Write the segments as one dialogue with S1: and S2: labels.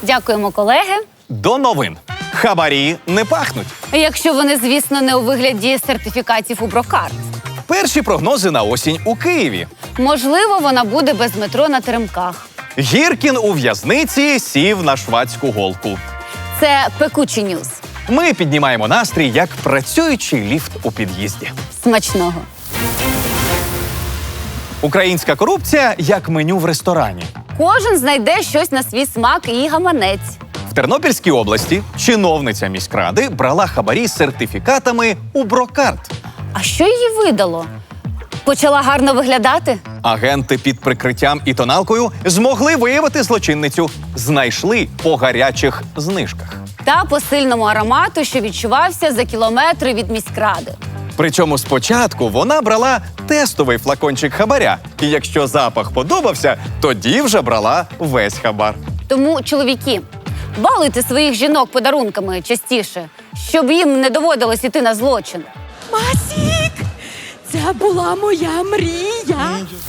S1: Дякуємо, колеги.
S2: До новин. Хабарі не пахнуть.
S1: Якщо вони, звісно, не у вигляді сертифікатів у Брокарт.
S2: Перші прогнози на осінь у Києві.
S1: Можливо, вона буде без метро на теремках.
S2: Гіркін у в'язниці сів на швадську голку.
S1: Це пекучі ньюз.
S2: Ми піднімаємо настрій, як працюючий ліфт у під'їзді.
S1: Смачного.
S2: Українська корупція як меню в ресторані.
S1: Кожен знайде щось на свій смак і гаманець.
S2: В Тернопільській області чиновниця міськради брала хабарі з сертифікатами у Брокарт.
S1: А що її видало? Почала гарно виглядати?
S2: Агенти під прикриттям і тоналкою змогли виявити злочинницю. Знайшли по гарячих знижках.
S1: Та по сильному аромату, що відчувався за кілометри від міськради.
S2: Причому спочатку вона брала тестовий флакончик хабаря. І якщо запах подобався, тоді вже брала весь хабар.
S1: Тому, чоловіки, балуйте своїх жінок подарунками частіше, щоб їм не доводилось іти на злочин.
S3: Масік! Це була моя мрія.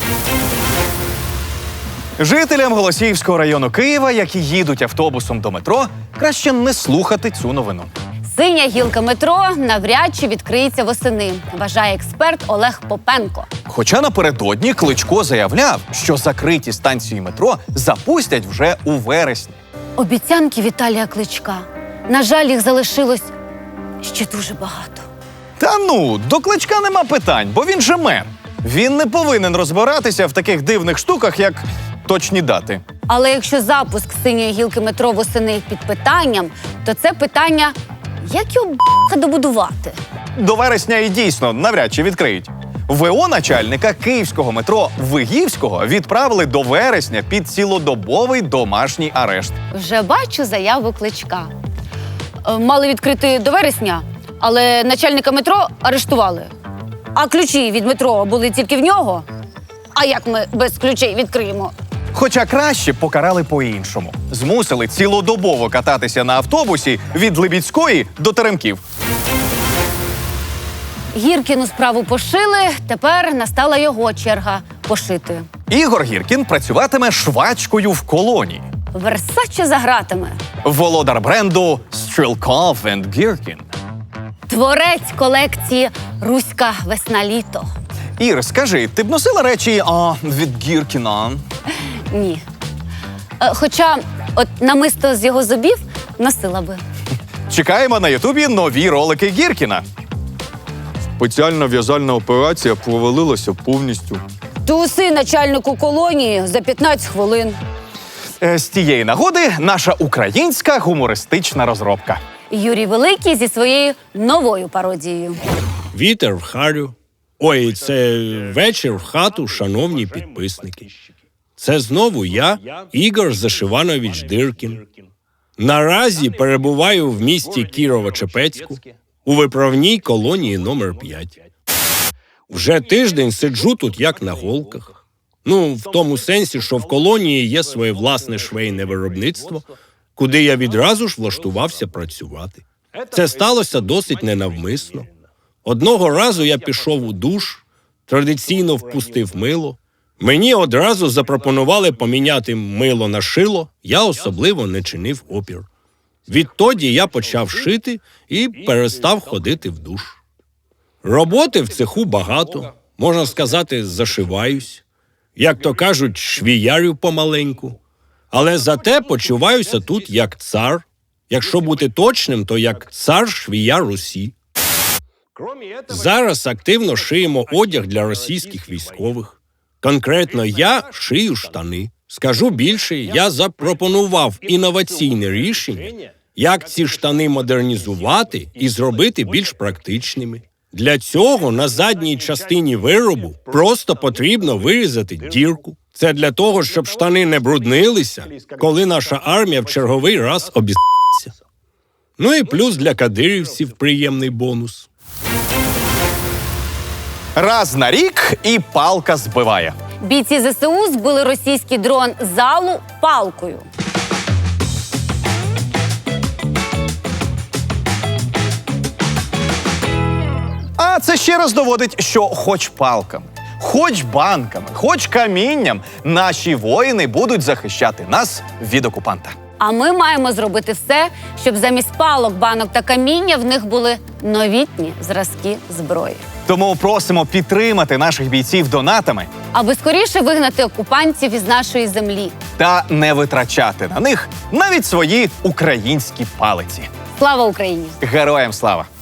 S2: Жителям Голосіївського району Києва, які їдуть автобусом до метро, краще не слухати цю новину.
S1: Синя гілка метро навряд чи відкриється восени, вважає експерт Олег Попенко.
S2: Хоча напередодні Кличко заявляв, що закриті станції метро запустять вже у вересні.
S1: Обіцянки Віталія Кличка. На жаль, їх залишилось ще дуже багато.
S2: Та ну, до Кличка нема питань, бо він же мер. Він не повинен розбиратися в таких дивних штуках, як точні дати.
S1: Але якщо запуск синьої гілки метро восени під питанням, то це питання, як його добудувати?
S2: До вересня і дійсно навряд чи відкриють. ВО начальника київського метро Вигівського відправили до вересня під цілодобовий домашній арешт.
S1: Вже бачу заяву Кличка. Мали відкрити до вересня, але начальника метро арештували. А ключі від метро були тільки в нього. А як ми без ключей відкриємо?
S2: Хоча краще покарали по-іншому. Змусили цілодобово кататися на автобусі від Либідської до Теремків.
S1: Гіркіну справу пошили, тепер настала його черга пошити.
S2: Ігор Гіркін працюватиме швачкою в колонії.
S1: Версаче за гратами.
S2: Володар бренду Стрілков & Гіркін.
S1: Творець колекції «Руська весна-літо».
S2: Ір, скажи, ти б носила речі від Гіркіна?
S1: Ні. Хоча от намисто з його зубів носила би.
S2: Чекаємо на Ютубі нові ролики Гіркіна. Спеціальна в'язальна операція провалилася повністю.
S1: Туси начальнику колонії за 15 хвилин.
S2: З тієї нагоди наша українська гумористична розробка.
S1: Юрій Великий зі своєю новою пародією.
S4: Вітер в харю. Ой, це вечір в хату, шановні підписники. Це знову я, Ігор Зашиванович Диркін. Наразі перебуваю в місті Кірово-Чепецьку у виправній колонії номер 5. Вже тиждень сиджу тут як на голках. Ну, в тому сенсі, що в колонії є своє власне швейне виробництво, куди я відразу ж влаштувався працювати. Це сталося досить ненавмисно. Одного разу я пішов у душ, традиційно впустив мило. Мені одразу запропонували поміняти мило на шило, я особливо не чинив опір. Відтоді я почав шити і перестав ходити в душ. Роботи в цеху багато, можна сказати, зашиваюсь. Як то кажуть, швіярю помаленьку. Але зате почуваюся тут як цар. Якщо бути точним, то як цар швіяр Русі. Зараз активно шиємо одяг для російських військових. Конкретно я шию штани. Скажу більше, я запропонував інноваційне рішення, як ці штани модернізувати і зробити більш практичними. Для цього на задній частині виробу просто потрібно вирізати дірку. Це для того, щоб штани не бруднилися, коли наша армія в черговий раз обіс***ться. Ну і плюс для кадирівців приємний бонус.
S2: Раз на рік і палка збиває.
S1: Бійці ЗСУ збили російський дрон залу палкою.
S2: А це ще раз доводить, що хоч палками, хоч банками, хоч камінням наші воїни будуть захищати нас від окупанта.
S1: А ми маємо зробити все, щоб замість палок, банок та каміння в них були новітні зразки зброї.
S2: Тому просимо підтримати наших бійців донатами
S1: Аби скоріше вигнати окупантів із нашої землі.
S2: та не витрачати на них навіть свої українські палиці.
S1: Слава Україні!
S2: Героям слава!